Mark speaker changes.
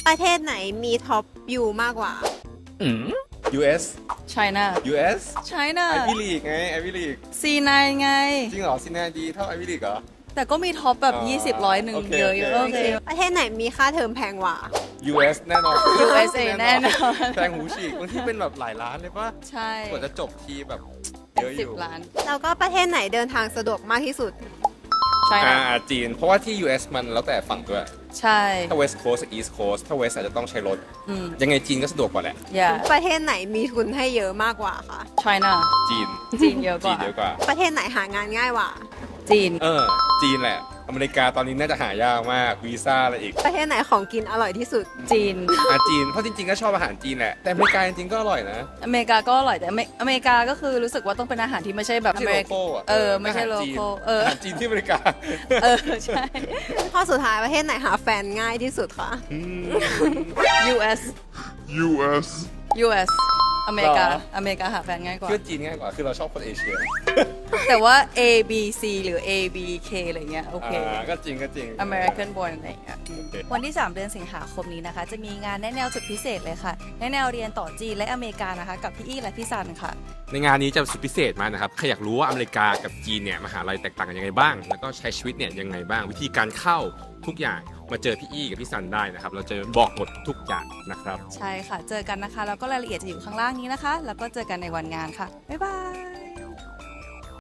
Speaker 1: ประเทศไหนมีท็อปยูมากกว่า
Speaker 2: US
Speaker 3: China
Speaker 2: US
Speaker 3: China
Speaker 2: ไอวิลีกไงไอวิลีก
Speaker 3: C9 ไง
Speaker 2: จริงเหรอซินแนดีเท่าไอวิลีกเหรอ
Speaker 3: แต่ก็มีท็อปแบบ 20ร้อยหนึ่ง
Speaker 2: โอเค
Speaker 3: เยอะ
Speaker 2: โอ
Speaker 3: โอ
Speaker 2: เค
Speaker 3: เค
Speaker 1: ประเทศไหนมีค่าเทอมแพงกว่า
Speaker 2: US แน่นอน
Speaker 3: USA แน่นอน
Speaker 2: แพงหูฉีกบางที่เป็นแบบหลายล้านเลยป่ะ
Speaker 3: ใช่
Speaker 2: กว่าจะจบทีแบบเยอะอ
Speaker 3: สิบ
Speaker 2: ยู่
Speaker 3: ล้าน
Speaker 1: แล้วก็ประเทศไหนเดินทางสะดวกมากที่สุด
Speaker 3: China
Speaker 2: จีน เพราะว่าที่ US มันแล้วแต่ฝั่งด้วย
Speaker 3: ใช่
Speaker 2: ถ้า West Coast กับ East Coast ถ้า West อาจจะต้องใช้รถ
Speaker 3: อืม
Speaker 2: ยังไงจีนก็สะดวกกว่าแหละ
Speaker 3: yeah
Speaker 1: ประเทศไหนมีทุนให้เยอะมากกว่าคะ
Speaker 3: China
Speaker 2: จีน
Speaker 3: จีนเยอะก
Speaker 2: จีน
Speaker 3: ว่า
Speaker 2: เยอะกว่า
Speaker 1: ประเทศไหนหางานง่ายกว่า
Speaker 3: จีน
Speaker 2: จีนแหละ อเมริกาตอนนี้น่าจะหายากมาก วีซ่าอะไรอีก
Speaker 1: ประเทศไหนของกินอร่อยที่สุด
Speaker 3: จีน
Speaker 2: จีน เพราะจริงๆก็ชอบอาหารจีนแหละ แต่อเมริกาจริงๆก็อร่อยนะ
Speaker 3: อเมริกาก็อร่อยแต่อเมริกาก็คือรู้สึกว่าต้องเป็นอาหารที่ไม่ใช่แบบ
Speaker 2: ไม่ใช่โลโก้อะ
Speaker 3: ไม่ใช่โลโก้
Speaker 2: อาหารจีนที่อเมริกา
Speaker 3: ใช่
Speaker 1: ข้อสุดท้ายประเทศไหนหาแฟนง่ายที่สุดคะ
Speaker 3: US
Speaker 4: US
Speaker 3: US อเมริกา
Speaker 2: หรอ
Speaker 3: อเมริกาหาแฟนง่ายกว่า
Speaker 2: เพื่อจีนง่ายกว่า คือเราชอบคนเอเชีย
Speaker 3: แต่ว่า A B C หรือ A B K อะไรเงี้ยโอเค
Speaker 2: ก็จริงก็จริง
Speaker 3: American born อะไรเงี้ย
Speaker 2: โอเค
Speaker 3: วันที่ 3 เดือนสิงหาคมนี้นะคะ จะมีงานแนะแนวสุดพิเศษเลยค่ะ แนะแนวเรียนต่อจีนและอเมริกานะคะ กับพี่อี้และพี่ซันค่ะ
Speaker 2: ในงานนี้จะสุดพิเศษมากนะครับ ใครอยากรู้ว่าอเมริกากับจีนเนี่ยมหาลัยแตกต่างกันยังไงบ้าง แล้วก็ใช้ชีวิตเนี่ยยังไงบ้าง วิธีการเข้าทุกอย่างมาเจอพี่อี้กับพี่ซันได้นะครับ เราจะบอกหมดทุกอย่างนะครับ
Speaker 3: ใช่ค่ะ เจอกันนะคะ แล้วก็รายละเอียดจะอยู่ข้างล่างนี้นะคะ แล้วก็เจอกันในวันงานค่ะ บ๊ายบาย